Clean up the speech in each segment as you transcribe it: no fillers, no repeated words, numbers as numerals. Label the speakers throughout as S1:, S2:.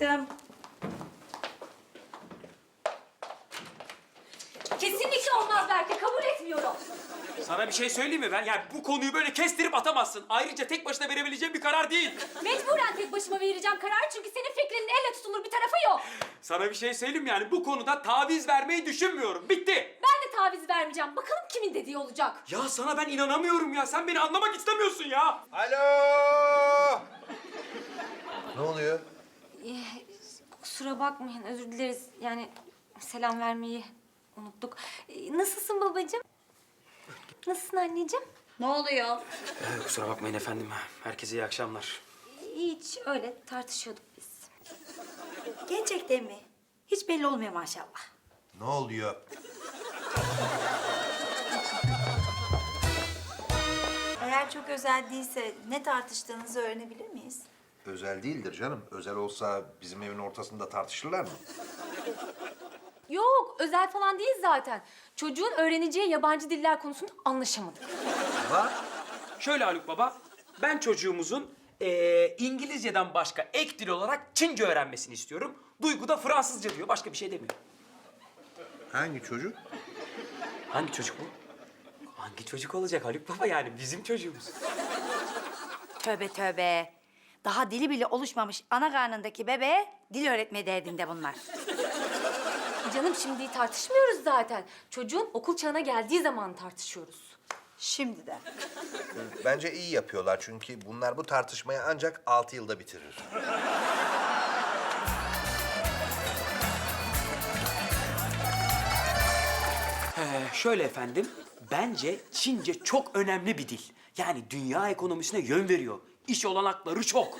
S1: Meltem.
S2: Kesinlikle olmaz Berke, kabul etmiyorum.
S3: Sana bir şey söyleyeyim mi ben? Yani bu konuyu böyle kestirip atamazsın. Ayrıca tek başına verebileceğim bir karar değil.
S2: Mecburen tek başıma vereceğim kararı çünkü senin fikrinin elle tutulur bir tarafı yok.
S3: Sana bir şey söyleyeyim mi? Yani bu konuda taviz vermeyi düşünmüyorum. Bitti.
S2: Ben de taviz vermeyeceğim. Bakalım kimin dediği olacak.
S3: Ya sana ben inanamıyorum ya. Sen beni anlamak istemiyorsun ya.
S4: Alo! Ne oluyor?
S2: Kusura bakmayın, özür dileriz. Yani selam vermeyi unuttuk. Nasılsın babacığım? Nasılsın anneciğim?
S1: Ne oluyor?
S3: Kusura bakmayın efendim. Herkese iyi akşamlar.
S2: Hiç öyle tartışıyorduk biz.
S1: Gerçekten mi? Hiç belli olmuyor maşallah.
S4: Ne oluyor?
S5: Eğer çok özel değilse ne tartıştığınızı öğrenebilir miyiz?
S4: Özel değildir canım. Özel olsa bizim evin ortasında tartışırlar mı?
S2: Yok, özel falan değil zaten. Çocuğun öğreneceği yabancı diller konusunda anlaşamadık.
S3: Şöyle Haluk Baba, ben çocuğumuzun İngilizceden başka ek dil olarak Çince öğrenmesini istiyorum. Duygu da Fransızca diyor, başka bir şey demiyor.
S4: Hangi çocuk?
S3: Hangi çocuk bu? Hangi çocuk olacak Haluk Baba, yani bizim çocuğumuz.
S1: Tövbe tövbe. Daha dili bile oluşmamış ana karnındaki bebeğe dil öğretme derdinde bunlar.
S2: Canım şimdi tartışmıyoruz zaten. Çocuğun okul çağına geldiği zaman tartışıyoruz.
S5: Şimdi de.
S4: Bence iyi yapıyorlar çünkü bunlar bu tartışmayı ancak 6 yılda bitirir.
S3: Şöyle efendim, bence Çince çok önemli bir dil. Yani dünya ekonomisine yön veriyor. İş olanakları çok.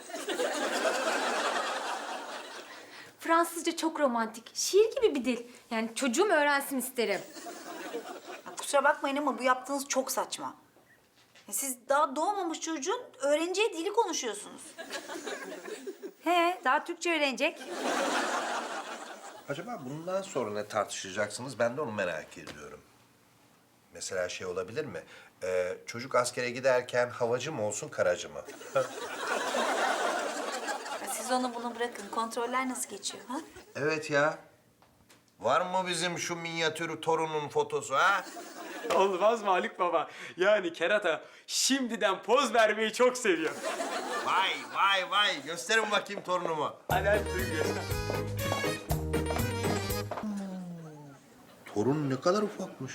S2: Fransızca çok romantik, şiir gibi bir dil. Yani çocuğum öğrensin isterim.
S5: Ya kusura bakmayın ama bu yaptığınız çok saçma. Ya siz daha doğmamış çocuğun öğreneceği dili konuşuyorsunuz.
S1: He, daha Türkçe öğrenecek.
S4: Acaba bundan sonra ne tartışacaksınız? Ben de onu merak ediyorum. Mesela şey olabilir mi? Çocuk askere giderken havacı mı olsun, karacı mı?
S5: Ya siz onu bunu bırakın. Kontroller nasıl geçiyor ha?
S4: Evet ya. Var mı bizim şu minyatür torunun fotosu ha?
S3: Olmaz mı Haluk Baba? Yani kerata şimdiden poz vermeyi çok seviyor.
S4: Vay vay vay. Gösterin bakayım torunumu.
S3: Hadi hadi Duygu.
S4: Torun ne kadar ufakmış.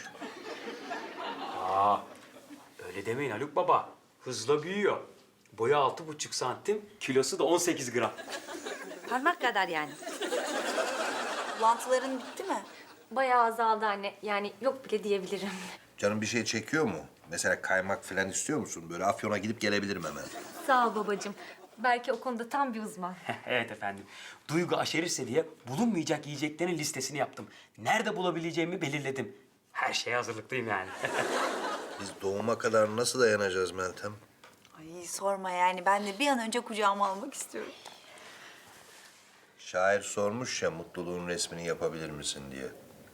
S3: Öyle demeyin Haluk Baba. Hızla büyüyor. Boyu 6,5 santim, kilosu da 18 gram.
S1: Parmak kadar yani.
S5: Bulantıların bitti mi?
S2: Bayağı azaldı anne. Yani yok bile diyebilirim.
S4: Canım bir şey çekiyor mu? Mesela kaymak falan istiyor musun? Böyle Afyon'a gidip gelebilirim hemen.
S2: Sağ ol babacığım. Belki o konuda tam bir uzman.
S3: Evet efendim. Duygu aşerirse diye bulunmayacak yiyeceklerin listesini yaptım. Nerede bulabileceğimi belirledim. Her şeye hazırlıklıyım yani.
S4: Biz doğuma kadar nasıl dayanacağız Meltem?
S5: Ay sorma yani. Ben de bir an önce kucağıma almak istiyorum.
S4: Şair sormuş ya mutluluğun resmini yapabilir misin diye.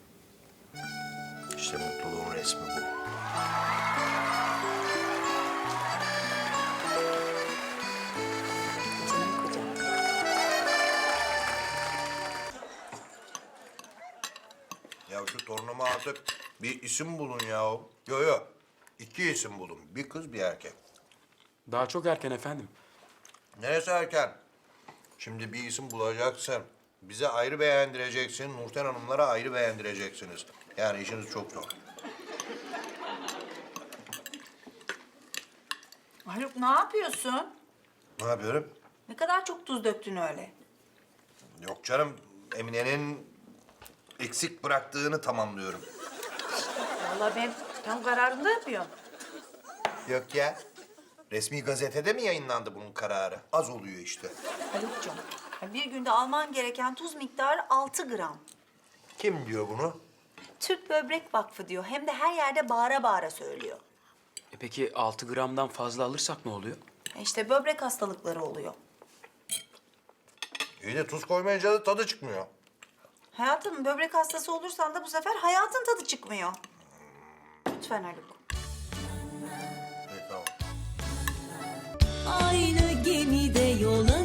S4: İşte mutluluğun resmi bu.
S5: Canım kocam.
S4: Ya şu torunuma artık bir isim bulun ya. Yo. 2 isim bulun. Bir kız bir erkek.
S3: Daha çok erken efendim.
S4: Neresi erken? Şimdi bir isim bulacaksın. Bize ayrı beğendireceksin. Nurten Hanımlara ayrı beğendireceksiniz. Yani işiniz çok zor.
S5: Haluk ne yapıyorsun?
S4: Ne yapıyorum?
S5: Ne kadar çok tuz döktün öyle.
S4: Yok canım. Emine'nin eksik bıraktığını tamamlıyorum.
S1: Vallahi ben tam kararında yapıyorum.
S4: Yok ya. Resmi gazetede mi yayınlandı bunun kararı? Az oluyor işte.
S5: Haluk'cum, bir günde alman gereken tuz miktarı 6 gram.
S4: Kim diyor bunu?
S5: Türk Böbrek Vakfı diyor. Hem de her yerde bağıra bağıra söylüyor.
S3: Peki 6 gramdan fazla alırsak ne oluyor?
S5: İşte böbrek hastalıkları oluyor.
S4: İyi de tuz koymayınca da tadı çıkmıyor.
S5: Hayatım, böbrek hastası olursan da bu sefer hayatın tadı çıkmıyor. Lütfen Haluk.
S4: İyi tamam.
S6: Aynı gemide yol alır.